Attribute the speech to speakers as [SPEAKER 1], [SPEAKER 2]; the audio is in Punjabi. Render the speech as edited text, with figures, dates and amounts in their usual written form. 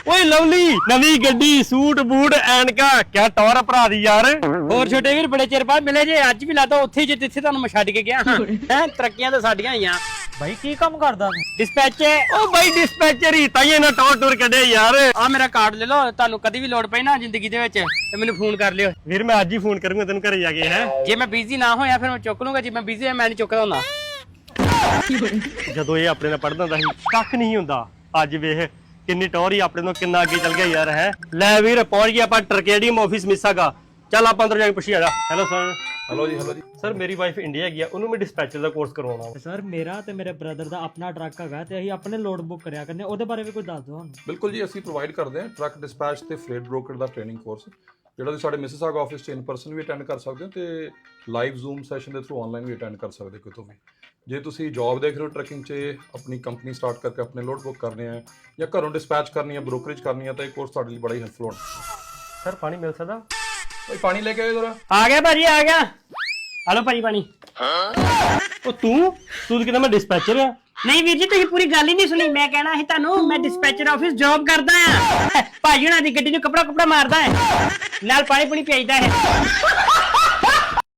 [SPEAKER 1] ਓਏ ਲਵਲੀ ਨਵੀਂ ਗੱਡੀ ਸੂਟ ਬੂਟ ਐਨਕਾ ਕਿਆ ਟੌਰ ਭਰਾ ਦੀ ਯਾਰ।
[SPEAKER 2] ਹੋਰ ਛੋਟੇ ਵੀਰ ਬੜੇ ਚਿਰ ਬਾਅਦ ਮਿਲੇ ਜੇ ਅੱਜ ਵੀ ਲਾਤਾ ਉੱਥੇ ਜਿੱਥੇ ਤੁਹਾਨੂੰ ਮੈਂ ਛੱਡ ਕੇ ਗਿਆ ਹਾਂ ਹੈ ਤਰੱਕੀਆਂ ਤਾਂ ਸਾਡੀਆਂ ਹੀ ਆ।
[SPEAKER 3] ਬਾਈ ਕੀ ਕੰਮ ਕਰਦਾ ਤੂੰ?
[SPEAKER 2] ਡਿਸਪੈਚ
[SPEAKER 1] ਓ ਬਾਈ ਡਿਸਪੈਚਰ ਹੀ ਤਾਈਏ ਨਾ ਟੌਰ ਟੂਰ ਕੱਢਿਆ ਯਾਰ।
[SPEAKER 2] ਆ ਮੇਰਾ ਕਾਰਡ ਲੈ ਲਓ, ਤੁਹਾਨੂੰ ਕਦੀ ਵੀ ਲੋੜ ਪਈ ਨਾ ਜ਼ਿੰਦਗੀ ਦੇ ਵਿੱਚ ਤੇ ਮੈਨੂੰ ਫੋਨ ਕਰ ਲਿਓ।
[SPEAKER 1] ਵੀਰ ਮੈਂ ਅੱਜ ਹੀ ਫੋਨ ਕਰੂੰਗਾ ਤੈਨੂੰ ਘਰੇ ਜਾ ਕੇ ਹੈ।
[SPEAKER 2] ਜੇ ਮੈਂ ਬਿਜ਼ੀ ਨਾ ਹੋਇਆ ਫਿਰ ਮੈਂ ਚੁੱਕ ਲੂੰਗਾ, ਜੇ ਮੈਂ ਬਿਜ਼ੀ ਹੋਇਆ ਮੈਂ ਨਹੀਂ ਚੁੱਕਦਾ ਹੁੰਦਾ।
[SPEAKER 1] ਜਦੋਂ ਇਹ ਆਪਣੇ ਨਾਲ ਪੜਦਾ ਹੁੰਦਾ ਸੀ ਕੱਖ ਨਹੀਂ ਹੁੰਦਾ, ਅੱਜ ਵੇਖ ਕਿੰਨੀ ਟੌਰ ਹੀ ਆਪਣੇ ਤੋਂ ਕਿੰਨਾ ਅੱਗੇ ਚੱਲ ਗਿਆ ਯਾਰ ਹੈ। ਲੈ ਵੀਰ ਪਹੁੰਚ ਗਿਆ ਆਪਾਂ ਟਰਕੇਡੀਅਮ ਆਫਿਸ ਮਿਸਾਗਾ। ਚੱਲ ਆਪਾਂ ਅੰਦਰ ਜਾ ਕੇ ਪੁੱਛੀ ਆ ਜਾ। Hello sir.
[SPEAKER 4] ਹੈਲੋ ਜੀ, ਹੈਲੋ ਜੀ।
[SPEAKER 1] ਸਰ ਮੇਰੀ ਵਾਈਫ ਇੰਡੀਆ ਗਈ ਆ, ਉਹਨੂੰ ਮੈਂ ਡਿਸਪੈਚਰ ਦਾ ਕੋਰਸ ਕਰਵਾਉਣਾ ਵਾ।
[SPEAKER 3] ਸਰ ਮੇਰਾ ਤੇ ਮੇਰੇ ਬ੍ਰਦਰ ਦਾ ਆਪਣਾ ਟਰੱਕ ਹੈਗਾ ਤੇ ਅਸੀਂ ਆਪਣੇ ਲੋਡ ਬੁੱਕ ਕਰਿਆ ਕਰਨੇ, ਉਹਦੇ ਬਾਰੇ ਵੀ ਕੋਈ ਦੱਸ ਦਿਓ ਸਾਨੂੰ।
[SPEAKER 4] ਬਿਲਕੁਲ ਜੀ, ਅਸੀਂ ਪ੍ਰੋਵਾਈਡ ਕਰਦੇ ਹਾਂ ਟਰੱਕ ਡਿਸਪੈਚ ਤੇ ਫਰੇਟ ਬ੍ਰੋਕਰ ਦਾ ਟ੍ਰੇਨਿੰਗ ਕੋਰਸ, ਜਿਹੜਾ ਤੁਸੀਂ ਸਾਡੇ ਮਿਸਿਸਾਗਾ ਆਫਿਸ 'ਚ ਇਨ ਪਰਸਨ ਵੀ ਅਟੈਂਡ ਕਰ ਸਕਦੇ ਹੋ ਤੇ ਲਾਈਵ ਜ਼ੂਮ ਸੈਸ਼ਨ ਦੇ ਥਰੂ ਆਨਲਾਈਨ ਵੀ ਅਟੈਂਡ ਕਰ ਸਕਦੇ ਹੋ ਕਿਤੋਂ ਵੀ। ਜੇ ਤੁਸੀਂ ਜੌਬ ਦੇਖ ਰਹੇ ਹੋ ਟਰੱਕਿੰਗ 'ਚ, ਆਪਣੀ ਕੰਪਨੀ ਸਟਾਰਟ ਕਰਕੇ ਆਪਣੇ ਲੋਡ ਬੁੱਕ ਕਰਨੇ ਆ ਜਾਂ ਘਰੋਂ ਡਿਸਪੈਚ ਕਰਨੀ ਹੈ, ਬ੍ਰੋਕਰੇਜ ਕਰਨੀ ਹੈ ਤਾਂ ਇਹ ਕੋਰਸ ਤੁਹਾਡੇ ਲਈ ਬੜਾ ਹੀ ਹੈਲਪਫੁਲ ਹੋਣਾ।
[SPEAKER 1] ਸਰ ਪਾਣੀ ਮਿਲ ਸਕਦਾ?
[SPEAKER 4] ਭਾਈ ਪਾਣੀ ਲੈ ਕੇ ਆਇਓ ਜ਼ਰਾ।
[SPEAKER 2] ਆ ਗਿਆ ਭਾਜੀ ਆ ਗਿਆ। ਹਲੋ ਭਾਜੀ ਪਾਣੀ।
[SPEAKER 1] ਉਹ ਤੂੰ ਕਿਦਾਂ ਮੈਂ ਡਿਸਪੈਚਰ ਆ?
[SPEAKER 2] ਨਹੀਂ ਵੀਰ ਜੀ ਤੁਸੀਂ ਪੂਰੀ ਗੱਲ ਹੀ ਨਹੀਂ ਸੁਣੀ। ਮੈਂ ਕਹਿਣਾ ਸੀ ਤੁਹਾਨੂੰ ਮੈਂ ਡਿਸਪੈਚਰ ਆਫਿਸ ਜੌਬ ਕਰਦਾ ਆ। ਭਾਜੀ ਹੁਣਾਂ ਦੀ ਗੱਡੀ ਨੂੰ ਕੱਪੜਾ ਮਾਰਦਾ ਹੈ ਨਾਲ ਪਾਣੀ ਪੁਣੀ ਭੇਜਦਾ ਹੈ।